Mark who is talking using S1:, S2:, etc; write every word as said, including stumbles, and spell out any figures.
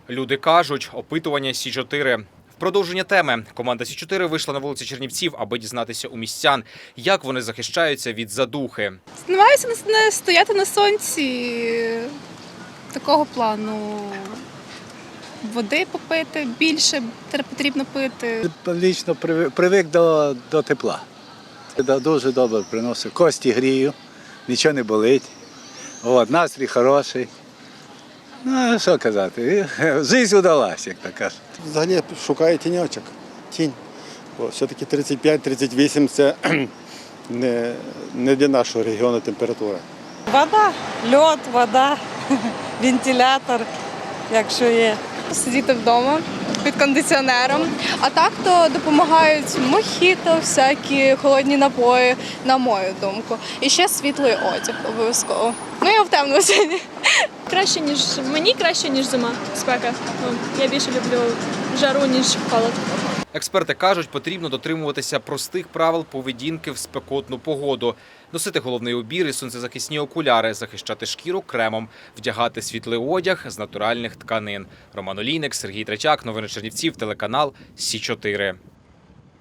S1: Люди кажуть, опитування Сі чотири. В продовження теми команда Сі чотири вийшла на вулиці Чернівців, аби дізнатися у містян, як вони захищаються від задухи.
S2: Намагаюся не стояти на сонці, такого плану. Води попити, більше потрібно пити.
S3: Лічно привик до, до тепла. Дуже добре приносить. Кості грію, нічого не болить. От, настрій хороший. Ну, що казати, життя вдалася, як то кажуть.
S4: Взагалі шукаю тіньочок, тінь. Бо все-таки тридцять п'ять тридцять вісім – це не, не для нашого регіону температура.
S5: Вода, льод, вода, вентилятор, якщо є.
S2: Сидіти вдома під кондиціонером. А так то допомагають мохіто, всякі холодні напої, на мою думку. І ще світлий одяг обов'язково. Ну, я в темному сьогодні.
S6: Краще, ніж мені краще, ніж зима, спека. Ну, я більше люблю жару, ніж холод.
S1: Експерти кажуть, потрібно дотримуватися простих правил поведінки в спекотну погоду. Носити головний убір і сонцезахисні окуляри, захищати шкіру кремом, вдягати світлий одяг з натуральних тканин. Роман Олійник, Сергій Третяк, новини Чернівців, телеканал Сі чотири.